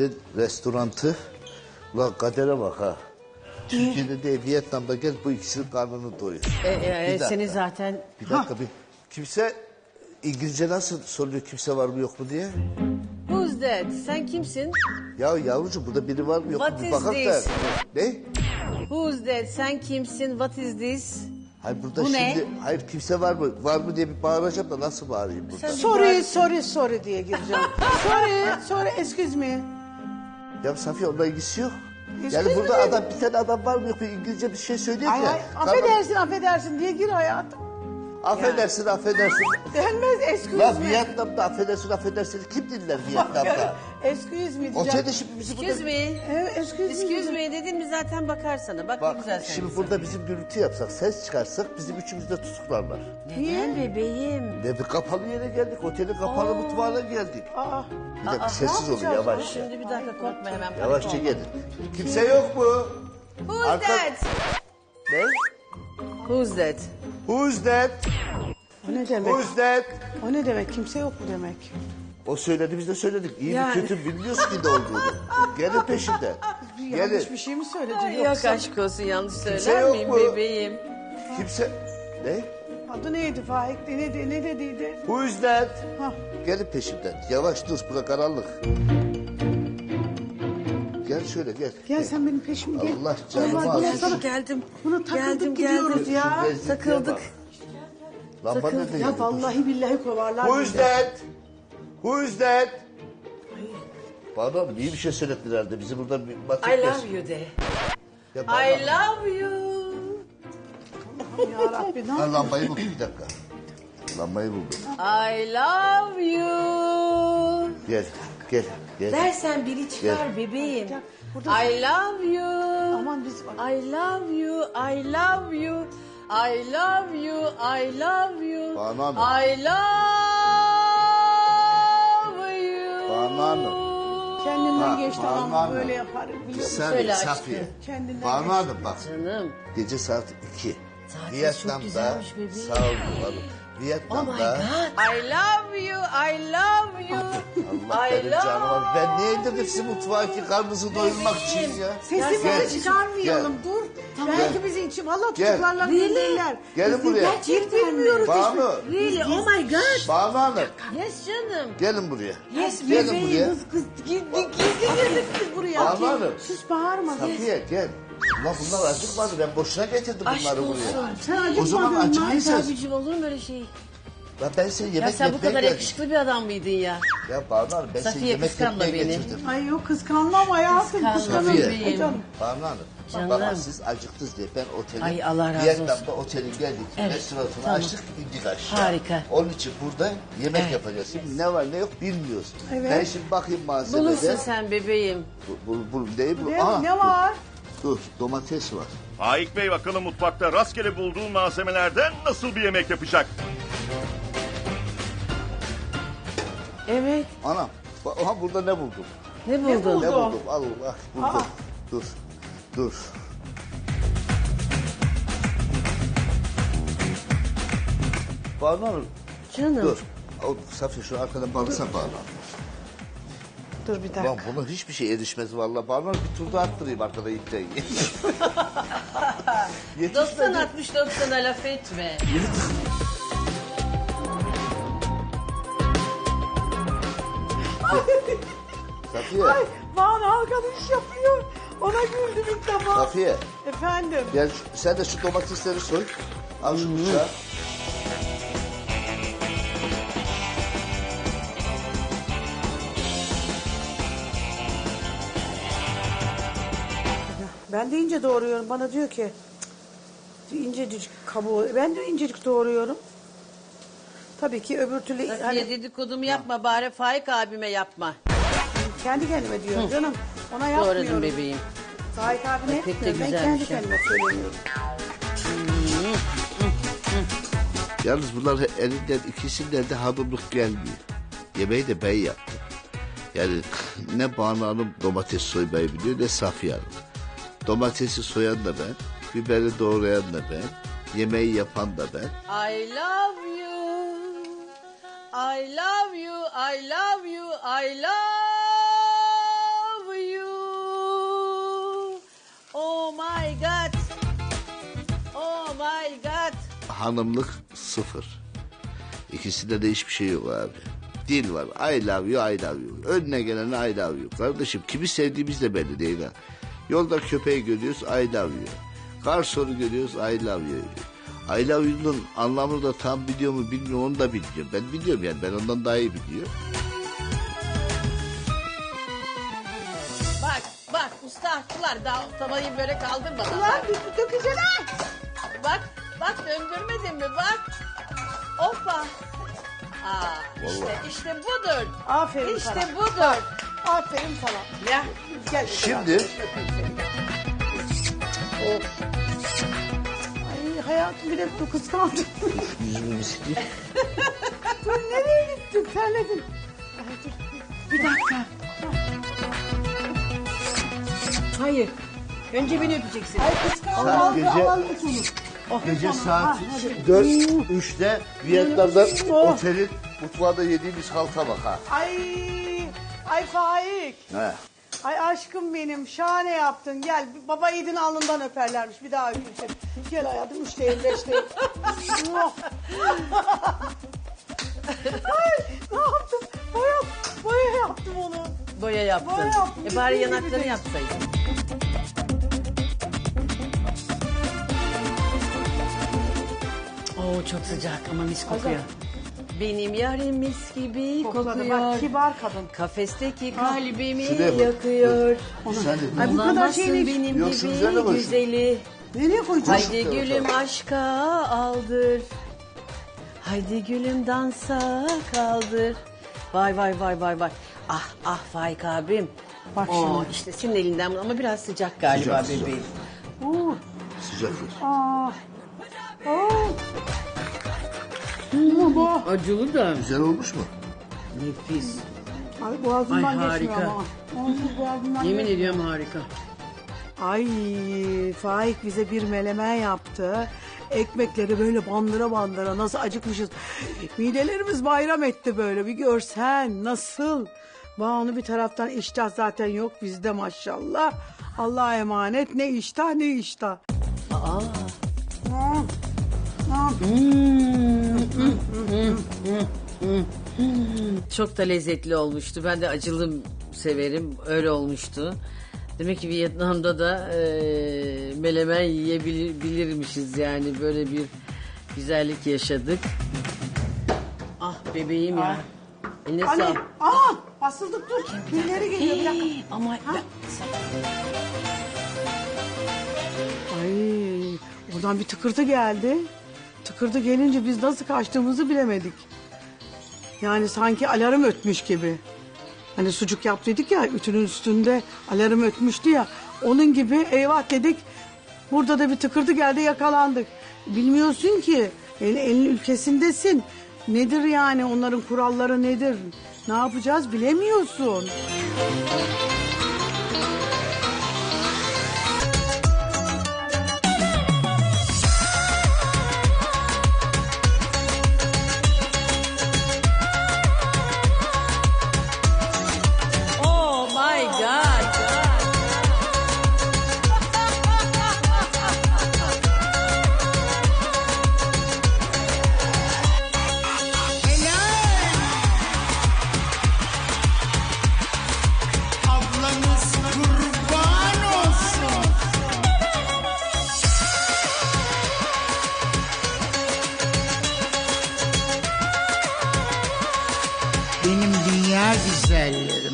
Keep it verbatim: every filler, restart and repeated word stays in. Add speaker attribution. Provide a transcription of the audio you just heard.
Speaker 1: Kader'in restorantı. Ulan Kader'e bak ha. Türkiye'de de Vietnam'da gel bu ikisinin karnını doyur.
Speaker 2: E, e,
Speaker 1: Bir dakika.
Speaker 2: seni zaten...
Speaker 1: Bir dakika bir. Kimse İngilizce nasıl soruyor kimse var mı yok mu diye?
Speaker 2: Who's that? Sen kimsin?
Speaker 1: Ya yavrucuğum burada biri var mı yok mu
Speaker 2: What
Speaker 1: bir
Speaker 2: is
Speaker 1: bakak da.
Speaker 2: this?
Speaker 1: Ne?
Speaker 2: Who's that? Sen kimsin? What is this?
Speaker 1: Hayır burada
Speaker 2: Bu ne?
Speaker 1: şimdi hayır kimse var mı var mı diye bir bağıracağım da nasıl bağırayım burada?
Speaker 3: Sorry, sorry, sorry diye gireceğim. sorry, sorry, excuse me.
Speaker 1: Ya Safiye onunla ilgisi yok.
Speaker 3: Excuse
Speaker 1: Yani burada
Speaker 3: me.
Speaker 1: adam bir tane adam var mı yok mu İngilizce bir şey söylüyor
Speaker 3: Ay,
Speaker 1: ya.
Speaker 3: ay,
Speaker 1: Tamam.
Speaker 3: affedersin, affedersin diye gir hayatım.
Speaker 1: Affedersin affedersin.
Speaker 3: Denmez, excuse
Speaker 1: Lan
Speaker 3: me.
Speaker 1: Vietnam'da affedersin affedersin kim dinler Vietnam'da?
Speaker 3: Excuse me diyeceğim.
Speaker 1: Otelde şimdi bizi burada...
Speaker 2: Excuse me.
Speaker 3: Evet, excuse, me.
Speaker 2: Excuse me dedin mi zaten bakar sana. Bak, ne
Speaker 1: Bak
Speaker 2: güzel sen.
Speaker 1: şimdi burada bizim gürültü yapsak ses çıkarsak bizim üçümüzü de tutuklarlar.
Speaker 2: Neden bebeğim?
Speaker 1: Ne bir kapalı yere geldik otelin kapalı mutfağına geldik.
Speaker 3: Aa,
Speaker 1: Bir dakika sessiz olun
Speaker 3: yapacağız?
Speaker 1: yavaş.
Speaker 2: Şimdi bir dakika korkma hemen. panik
Speaker 1: Yavaşça
Speaker 2: olma.
Speaker 1: gelin. Kimse yok mu?
Speaker 2: Who's
Speaker 1: Arka-
Speaker 2: that?
Speaker 1: Ne?
Speaker 2: Who's that?
Speaker 1: Who's that?
Speaker 3: o ne demek?
Speaker 1: Who's that?
Speaker 3: O ne demek? Kimse yok mu demek?
Speaker 1: O söyledi biz de söyledik. İyi
Speaker 2: Yani.
Speaker 1: mi kötü mü bilmiyoruz ki ne olduğunu. Gelin peşinden.
Speaker 3: Yanlış
Speaker 1: Gelin.
Speaker 3: bir şey mi söyledin
Speaker 2: Ay,
Speaker 3: yoksa?
Speaker 2: yok aşk olsun yanlış
Speaker 1: Kimse
Speaker 2: söyler
Speaker 1: yok
Speaker 2: miyim
Speaker 1: mu?
Speaker 2: bebeğim?
Speaker 1: Kimse... Ne?
Speaker 3: Adı neydi Faik? Ne, ne, ne dediydi?
Speaker 1: Who's that?
Speaker 3: Hah.
Speaker 1: Gelin peşimden. Yavaş dur bura karanlık. Gel şöyle gel.
Speaker 3: Gel sen benim peşime gel.
Speaker 1: Allah canımı
Speaker 3: Allah,
Speaker 1: alsın.
Speaker 3: gel sana-
Speaker 2: Geldim.
Speaker 3: Buna takıldık
Speaker 2: Geldim,
Speaker 3: gidiyoruz
Speaker 2: geldim.
Speaker 3: ya.
Speaker 1: Şu lezzetliğe
Speaker 2: Takıldık.
Speaker 1: bak. Lamba nerede?
Speaker 3: Ya vallahi billahi kovarlar.
Speaker 1: Who's
Speaker 3: bizi.
Speaker 1: that? Who's that? Bana mı? İyi bir şey söylettiler herhalde. Bizi burada bir batık
Speaker 2: I love you de.
Speaker 1: Ya bana-
Speaker 2: I love you.
Speaker 3: Ya Rabbi ne
Speaker 1: Ha, lambayı buldum bir dakika. Lambayı buldum.
Speaker 2: I love you.
Speaker 1: Gel, gel, gel.
Speaker 2: Dersen biri çıkar bebeğim.
Speaker 3: Gel, burada-
Speaker 2: I love you.
Speaker 3: Aman biz bak.
Speaker 2: I love you. I love you. I love you. I love you.
Speaker 1: Banu Hanım.
Speaker 2: I love you.
Speaker 1: Banu Hanım.
Speaker 3: Kendinden
Speaker 1: Ha,
Speaker 3: geçti
Speaker 1: Banu
Speaker 3: ama
Speaker 1: Hanım.
Speaker 3: böyle yapar.
Speaker 1: Bir
Speaker 3: Biliyor musun?
Speaker 1: saniye
Speaker 2: Söyle
Speaker 1: Safiye.
Speaker 2: aşkım.
Speaker 3: Kendinden
Speaker 1: Banu
Speaker 3: geçti.
Speaker 1: Hanım bak.
Speaker 2: Canım.
Speaker 1: Gece saat iki.
Speaker 2: Saat
Speaker 1: Vietnam'da.
Speaker 2: çok güzelmiş bebeğim.
Speaker 1: Sağ olun hanım.
Speaker 2: Oh my
Speaker 1: Vietnam'da.
Speaker 2: God. I love you. I love you.
Speaker 1: Allah
Speaker 2: I
Speaker 1: benim
Speaker 2: love
Speaker 1: canım. Ben niye indirdim sizi mutfağa ki karnınızı doyurmak için ya?
Speaker 3: Sesimizi
Speaker 1: Gel.
Speaker 3: çıkarmayalım
Speaker 1: Gel.
Speaker 3: dur. Belki bizi için valla
Speaker 1: Gel.
Speaker 3: tutuklarlar
Speaker 2: Really?
Speaker 3: bilirler.
Speaker 1: Gelin buraya.
Speaker 3: Gerçekten bilmiyoruz.
Speaker 1: Banu.
Speaker 2: Really? Oh my God.
Speaker 1: Banu Hanım.
Speaker 2: Yes canım.
Speaker 1: Gelin buraya.
Speaker 2: Yes
Speaker 1: Gelin
Speaker 2: bebeğim.
Speaker 1: buraya.
Speaker 3: Kız kız gizli gizli girdik biz buraya.
Speaker 1: Banu Hanım.
Speaker 3: Sus bağırma.
Speaker 1: Safiye gel. Ulan bunlar acıkmadı. Ben boşuna getirdim
Speaker 2: Aşk
Speaker 1: bunları
Speaker 2: olsun.
Speaker 1: buraya.
Speaker 3: Sen acıkmadın
Speaker 1: O zaman
Speaker 3: mı?
Speaker 1: acıkıysanız.
Speaker 2: Abicim olur mu öyle şey?
Speaker 1: Ya ben seni
Speaker 2: Ya
Speaker 1: yemek
Speaker 2: sen bu
Speaker 1: yapmaya
Speaker 2: kadar
Speaker 1: geldim.
Speaker 2: yakışıklı bir adam mıydın ya?
Speaker 1: Ya Banu Hanım ben seni
Speaker 2: Safiye,
Speaker 1: yemek
Speaker 2: kıskanma
Speaker 1: yapmaya
Speaker 2: beni.
Speaker 1: getirdim.
Speaker 3: Ay yok kıskanmam hayatım.
Speaker 2: Kıskanma
Speaker 3: Kıskanırım.
Speaker 1: Safiye.
Speaker 3: Ay canım.
Speaker 1: Banu Hanım.
Speaker 2: Canım.
Speaker 1: Bak siz acıktınız diye ben otelin
Speaker 2: Ay, Allah razı
Speaker 1: Vietnam'da
Speaker 2: olsun.
Speaker 1: otelin geldik.
Speaker 2: Evet,
Speaker 1: Restoranını
Speaker 2: tamam.
Speaker 1: açtık indik aşağı.
Speaker 2: Harika.
Speaker 1: Onun için burada yemek
Speaker 2: Evet.
Speaker 1: yapacağız. Şimdi ne var ne yok bilmiyoruz.
Speaker 3: Evet.
Speaker 1: Ben şimdi bakayım malzemede.
Speaker 2: Bulursun sen bebeğim.
Speaker 1: Bu, bu, bu, değil bu.
Speaker 3: Ne,
Speaker 1: Aa,
Speaker 3: ne var?
Speaker 1: Dur, dur domates var.
Speaker 4: Faik Bey bakalım mutfakta rastgele bulduğu malzemelerden nasıl bir yemek yapacak?
Speaker 2: Evet.
Speaker 1: Anam. Bak, aha burada ne buldum?
Speaker 2: Ne buldun?
Speaker 3: buldun?
Speaker 1: Ne
Speaker 3: Buldum.
Speaker 1: buldum? Al bak buldum.
Speaker 3: Aa.
Speaker 1: Dur. Dur. Banu Hanım.
Speaker 2: Canım.
Speaker 1: Dur. O, Safiye şu arkadan bağırsan Banu Hanım.
Speaker 3: Dur bir dakika.
Speaker 1: Ulan buna hiçbir şey erişmez vallahi. Banu Hanım bir tur daha attırayım arkada ipten.
Speaker 2: doksan altmış doksana laf etme.
Speaker 1: Safiye.
Speaker 3: Ay Banu arkadaş yapıyor. Ona güldüm ilk defa.
Speaker 1: Safiye.
Speaker 3: Efendim.
Speaker 1: Gel şu- sen de şu domatesleri soy. Al şu bıçağı.
Speaker 3: Ben de ince doğruyorum. Bana diyor ki "Cık, incecik kabuğu. Ben de incecik doğruyorum. Tabii ki öbür türlü
Speaker 2: Safiye
Speaker 3: hani
Speaker 2: dedikodumu yapma bari Faik abime yapma.
Speaker 3: kendi kendime diyorum canım. Ona yapmıyorum.
Speaker 2: Doğradın bebeğim.
Speaker 3: Faik abine
Speaker 2: Ay, pek de
Speaker 3: yapmıyorum. Ben kendi
Speaker 2: güzelmiş ha.
Speaker 3: kendime söylüyorum.
Speaker 1: Yalnız bunlar elinden ikisinden de hanımlık gelmiyor. Yemeği de ben yaptım. Yani ne Banu Hanım domates soymayı biliyor ne Safiye Hanım. Domatesi soyan da ben, biberi doğrayan da ben, yemeği yapan da ben.
Speaker 2: I love you. I love you. I love you. I love
Speaker 1: hanımlık sıfır. İkisinde de hiçbir şey yok abi. Dil var. I love you, I love you. Önüne gelene I love you. Kardeşim kimi sevdiğimiz de belli değil ha. Yolda köpeği görüyoruz, I love you. Garsonu görüyoruz, I love you. I love you'nun anlamını da tam biliyor mu bilmiyorum, onu da biliyorum. Ben biliyorum yani, ben ondan daha iyi biliyorum.
Speaker 2: Bak bak usta haklılar. Daha tavayı böyle kaldırmadan.
Speaker 3: Ulan dökeceksin ha.
Speaker 2: Bak bak döndürmedin mi bak. Hoppa. Aa, işte işte budur.
Speaker 3: Aferin
Speaker 2: İşte
Speaker 3: sana.
Speaker 2: budur.
Speaker 3: Aferin sana.
Speaker 2: Ya.
Speaker 3: Gel.
Speaker 1: Şimdi
Speaker 3: Ay hayatım bir de bu kıskandım.
Speaker 1: yüzümü sileyim.
Speaker 3: Dur nereye gittin? Terledin. Ay, dur. Bir dakika.
Speaker 2: Hayır. Önce beni öpeceksin.
Speaker 3: Ay kıskandım.
Speaker 1: Saat
Speaker 3: Al,
Speaker 1: gece-
Speaker 3: al, al, al. Oh,
Speaker 1: Gece
Speaker 3: tamam.
Speaker 1: saat
Speaker 3: Ha, hadi.
Speaker 1: dört üçte Vietnam'da
Speaker 3: Oh.
Speaker 1: otelin mutfağında yediğimiz halka bak ha.
Speaker 3: Ay, ay Faik.
Speaker 1: He.
Speaker 3: Ay aşkım benim şahane yaptın. Gel baba yiğidin alnından öperlermiş bir daha öpeyim. Gel hayatım üç değil beş değil. Oh. Ay ne yaptım? Boya, boya yaptım onu.
Speaker 2: Boya yaptın.
Speaker 3: Boya yaptım.
Speaker 2: E bari
Speaker 3: Bitti,
Speaker 2: yanaklarını
Speaker 3: bitti.
Speaker 2: yapsaydın. Oo çok sıcak ama mis kokuyor. Benim yarim mis gibi
Speaker 3: Kokladı
Speaker 2: kokuyor.
Speaker 3: bak kibar kadın.
Speaker 2: Kafesteki kalbimi
Speaker 1: Şuraya bak.
Speaker 2: yakıyor.
Speaker 1: Sen de
Speaker 3: Ay bu kadar
Speaker 2: Bulamazsın
Speaker 3: şeyini
Speaker 2: benim
Speaker 1: Yok, şu üzerine
Speaker 2: gibi
Speaker 1: bak.
Speaker 2: güzeli.
Speaker 3: nereye koyacağız?
Speaker 2: Haydi gülüm aşka aldır. Haydi gülüm dansa kaldır. Vay vay vay vay vay. Ah ah Faik abim.
Speaker 3: Bak
Speaker 2: Oo,
Speaker 3: şimdi.
Speaker 2: işte senin elinden ama biraz sıcak galiba
Speaker 1: Sıcak, sıcak.
Speaker 2: bebeğim.
Speaker 3: Uh,
Speaker 1: sıcaktır.
Speaker 3: ah. Oh. Baba.
Speaker 2: Acılı da.
Speaker 1: Güzel olmuş mu?
Speaker 2: Nefis.
Speaker 3: Ay boğazımdan
Speaker 2: Ay,
Speaker 3: geçmiyor
Speaker 2: harika.
Speaker 3: ama. Onsuz boğazımdan
Speaker 2: Yemin
Speaker 3: geçmiyor.
Speaker 2: ediyorum harika.
Speaker 3: Ay Faik bize bir melemen yaptı. Ekmekleri böyle bandıra bandıra nasıl acıkmışız. Midelerimiz bayram etti böyle bir görsen nasıl. Banu bir taraftan iştah zaten yok bizde maşallah. Allah'a emanet ne iştah ne iştah.
Speaker 2: Aa.
Speaker 3: Hmm. Hmm.
Speaker 2: Çok da lezzetli olmuştu. Ben de acılı severim. Öyle olmuştu. Demek ki Vietnam'da da e, melemen yiyebilirmişiz yani. Böyle bir güzellik yaşadık. Ah bebeğim ya. Eline
Speaker 3: Anne,
Speaker 2: sağlık.
Speaker 3: aa basıldık dur. Birileri geliyor bir dakika.
Speaker 2: Ama ben-
Speaker 3: Ay oradan bir tıkırtı geldi. Tıkırtı gelince biz nasıl kaçtığımızı bilemedik. Yani sanki alarm ötmüş gibi. Hani sucuk yaptıydık ya ütünün üstünde alarm ötmüştü ya. Onun gibi eyvah dedik. Burada da bir tıkırtı geldi yakalandık. Bilmiyorsun ki el, elin ülkesindesin. Nedir yani onların kuralları nedir? Ne yapacağız bilemiyorsun.
Speaker 2: Oh my God.
Speaker 5: Ablanız kurban olsun. Benim dünya güzellerim.